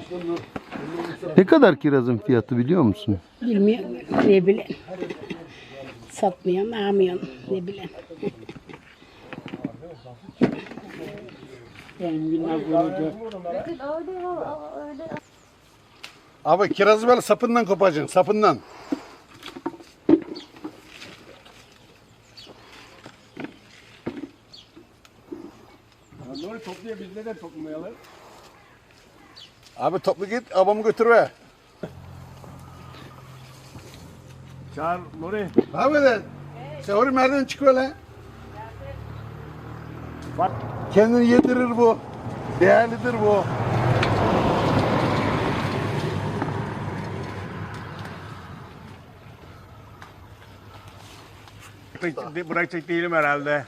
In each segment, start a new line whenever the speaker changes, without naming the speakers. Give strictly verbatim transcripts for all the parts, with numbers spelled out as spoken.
Ne kadar kirazın fiyatı biliyor musun?
Bilmiyorum. Ne bileyim. Satmıyorum, almıyorum. Ne bileyim. Benim günler boyunca.
Abi kirazı böyle sapından kopacaksın, sapından.
Nuri topluyor, biz neden toplamayalım?
Abi toplu git, abamı götür be.
Çağır Nuri.
Abi de, sen oraya merdiven çık öyle.
Bak.
Kendini yedirir bu. Değerlidir bu.
Bırakacak değilim herhalde.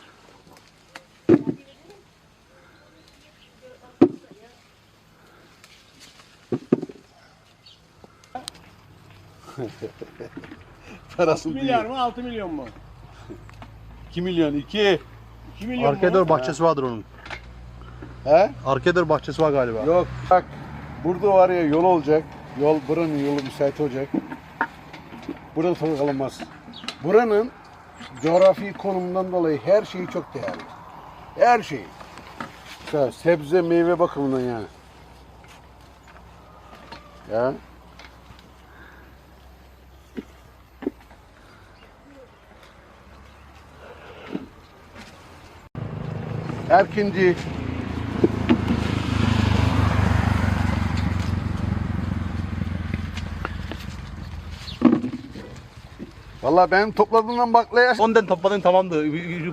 Parası
Milyar
değil.
mı altı milyon mu?
iki milyon, iki.
iki milyon mu?
Arkedor bahçesi vardır onun.
He?
Arkedor bahçesi var galiba.
Yok. Bak, burada var ya yol olacak. Yol, buranın yolu müsait olacak. Burada toprak alınmaz. Buranın coğrafi konumundan dolayı her şeyi çok değerli. Her şeyi. Mesela sebze, meyve bakımından yani. Ya. Erkinci. Vallahi benim topladığımdan baklaya
Ondan topladın tamamdı.
Ovacık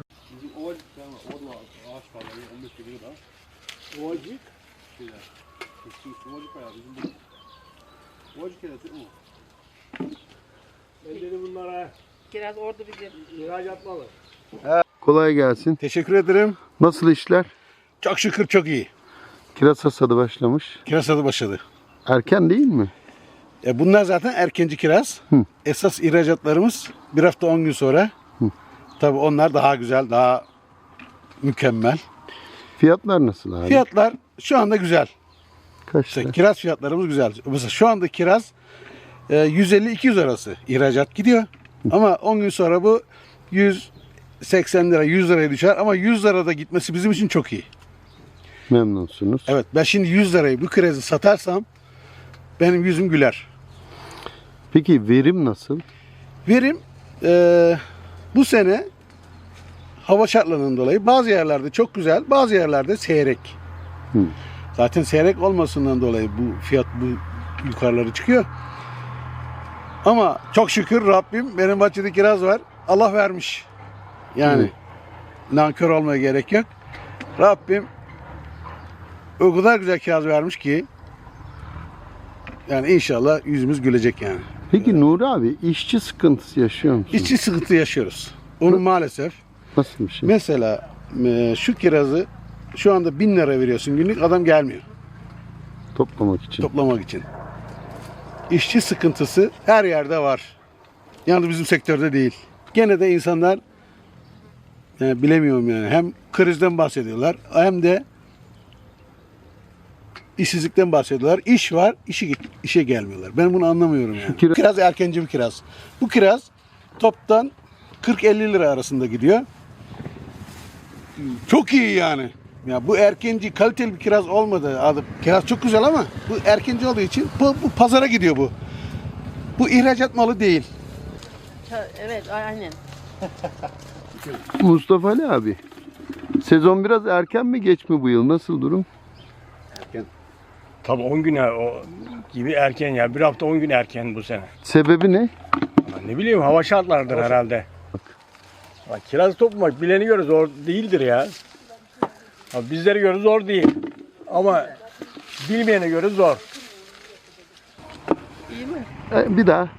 şeyler. Ovacık bayağı bizim bu. Ovacık keresi o. Ben dedim bunlara
Kiraz orada bizim.
ihracat malı.
Kolay gelsin.
teşekkür ederim.
Nasıl işler?
Çok şükür çok iyi.
Kiraz hasadı başlamış.
Kiraz tadı başladı.
Erken değil mi?
E bunlar zaten erkenci kiraz.
Hı.
Esas ihracatlarımız bir hafta on gün sonra. Tabii onlar daha güzel, daha mükemmel.
Fiyatlar nasıl abi?
Fiyatlar şu anda güzel.
Kaç
İşte
lira?
kiraz fiyatlarımız güzel. Mesela şu anda kiraz e, yüz elli iki yüz arası ihracat gidiyor. Ama on gün sonra bu yüz seksen lira, yüz liraya düşer. Ama yüz lirada gitmesi bizim için çok iyi.
Memnunsunuz.
Evet, ben şimdi yüz lirayı bu kirazı satarsam benim yüzüm güler.
Peki verim nasıl?
Verim e, bu sene hava şartlarından dolayı bazı yerlerde çok güzel, bazı yerlerde seyrek.
Hı.
Zaten seyrek olmasından dolayı bu fiyat bu yukarıları çıkıyor. Ama çok şükür Rabbim, benim bahçede kiraz var. Allah vermiş. Yani nankör olmaya gerek yok. Rabbim o kadar güzel kiraz vermiş ki yani inşallah yüzümüz gülecek yani.
Peki Nuri abi işçi sıkıntısı yaşıyor musun?
İşçi sıkıntı yaşıyoruz. Onu maalesef.
Nasıl bir şey?
Mesela e, şu kirazı şu anda bin lira veriyorsun günlük, adam gelmiyor
Toplamak için.
toplamak için. İşçi sıkıntısı her yerde var. Yalnız bizim sektörde değil. Gene de insanlar yani bilemiyorum yani hem krizden bahsediyorlar hem de işsizlikten bahsediyorlar. İş var, işi işe gelmiyorlar. Ben bunu anlamıyorum yani.
kiraz-
Kiraz erkenci bir kiraz. Bu kiraz toptan kırk elli lira arasında gidiyor. Çok iyi yani. Ya bu erkenci kaliteli bir kiraz olmadı. Adı kiraz çok güzel ama bu erkenci olduğu için bu, bu pazara gidiyor bu. Bu ihracat malı değil.
Evet, aynen.
Mustafa Ali abi. Sezon biraz erken mi geç mi bu yıl? Nasıl durum?
Tabii on gün o gibi erken ya. Bir hafta on gün erken bu sene.
Sebebi ne?
Ama ne bileyim hava şartlardır herhalde. Bak, kiraz toplamak bileni göre zor değildir ya. Abi bizlere göre zor değil. Ama bilmeyene göre zor.
İyi mi?
E, bir daha.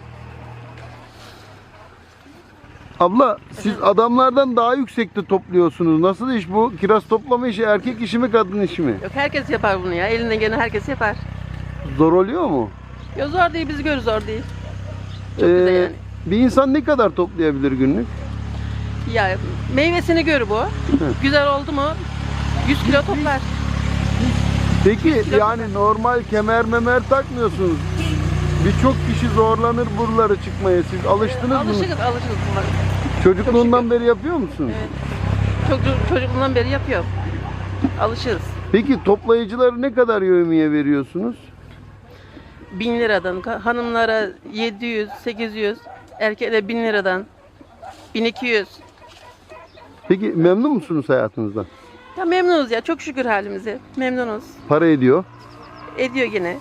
Abla siz adamlardan daha yüksekte topluyorsunuz. Nasıl iş bu? Kiraz toplama işi erkek işi mi kadın işi mi?
Yok herkes yapar bunu ya. Elinden gelen herkes yapar.
Zor oluyor mu?
Yok zor değil, bizi gör zor değil. Çok
Ee,
güzel yani.
Bir insan ne kadar toplayabilir günlük?
Ya meyvesini gör bu. Güzel oldu mu yüz kilo toplar.
Peki yani normal kemer memer takmıyorsunuz. Birçok kişi zorlanır buraları çıkmaya. Siz alıştınız mı?
Alışırız, alışırız bunlar.
Çocukluğundan beri yapıyor musun?
Evet. Çocuk, çocukluğundan beri yapıyor. Alışırız.
Peki toplayıcıları ne kadar yevmiye veriyorsunuz?
Bin liradan, ka- hanımlara yedi yüz, sekiz yüz, erkeklere bin liradan, bin iki yüz.
Peki memnun musunuz hayatınızdan?
Ya memnunuz ya, çok şükür halimize. Memnunuz.
Para ediyor.
Ediyor gene.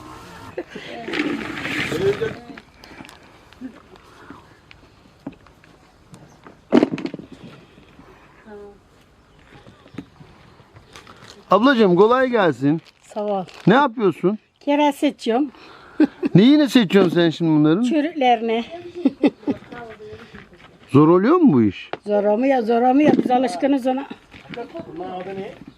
Ablacığım kolay gelsin.
Sağ ol.
Ne yapıyorsun?
Kiraz seçiyorum.
Neyini seçiyorsun sen şimdi bunların?
Çürüklerini.
Zor oluyor mu bu iş?
Zor olmuyor, zor olmuyor. Biz alışkınız ona.
Bunların adı ne?